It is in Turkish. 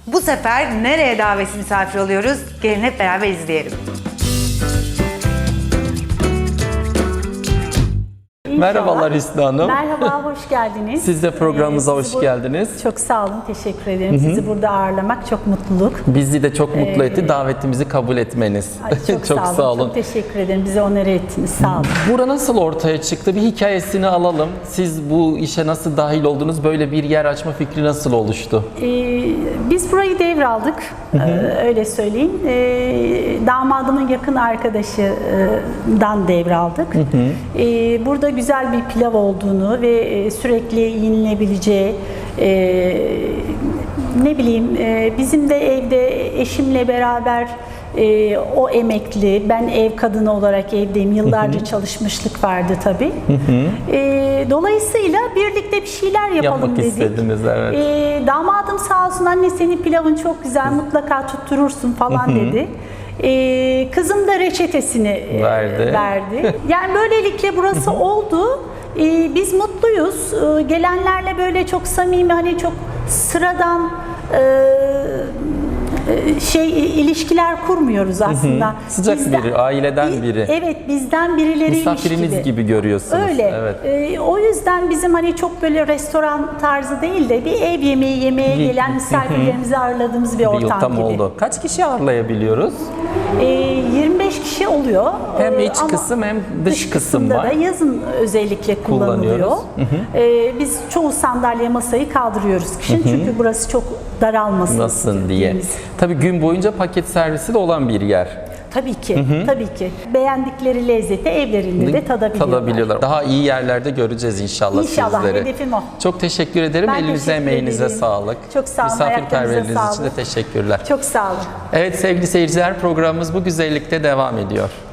Bu sefer nereye davetsiz misafir oluyoruz? Gelin hep beraber izleyelim. Merhabalar Hüsnü Hanım. Merhaba, hoş geldiniz. Siz de programımıza hoş geldiniz. Çok sağ olun, teşekkür ederim. Sizi burada ağırlamak çok mutluluk. Bizi de çok mutlu etti davetimizi kabul etmeniz. Ay, çok sağ olun, çok teşekkür ederim. Bize onur ettiniz, sağ olun. Bura nasıl ortaya çıktı? Bir hikayesini alalım. Siz bu işe nasıl dahil oldunuz? Böyle bir yer açma fikri nasıl oluştu? Biz burayı devraldık, öyle söyleyeyim. Damadımın yakın arkadaşından devraldık. Burada güzel bir pilav olduğunu ve sürekli yenilebileceği, ne bileyim, bizim de evde eşimle beraber o emekli, ben ev kadını olarak evdeyim. Yıllarca çalışmışlık vardı tabii. Dolayısıyla birlikte bir şeyler yapalım Yapmak dedik. istediniz, evet. Damadım sağ olsun, anne senin pilavın çok güzel, mutlaka tutturursun falan dedi. Kızım da reçetesini verdi. Yani böylelikle burası oldu. Biz mutluyuz. Gelenlerle böyle çok samimi, hani çok sıradan ilişkiler kurmuyoruz aslında. Sıcak biri, aileden biri. Evet, bizden birileriymiş Misafiriniz gibi görüyorsunuz. Öyle. Evet. O yüzden bizim hani çok böyle restoran tarzı değil de bir ev yemeği yemeye gelen misafirlerimizi ağırladığımız bir ortam Tam gibi. oldu. Kaç kişi ağırlayabiliyoruz? 25 kişi oluyor. Hem iç Ama kısım hem dış kısım var. da yazın özellikle kullanılıyor. Kullanıyoruz. Biz çoğu sandalye masayı kaldırıyoruz kışın çünkü burası çok daralmasın Nasıl diye. diye. Tabii gün boyunca paket servisi de olan bir yer. Tabii ki, tabii ki. Beğendikleri lezzeti evlerinde de tadabiliyorlar. Daha iyi yerlerde göreceğiz inşallah sizleri. Hedefim o. Çok teşekkür ederim. Ben Elinize, teşekkür emeğinize ederim. sağlık. Çok sağ olun. Misafirperverliğiniz Ayaklarınıza için de sağlık. teşekkürler. Çok sağ olun. Evet sevgili seyirciler, programımız bu güzellikte devam ediyor.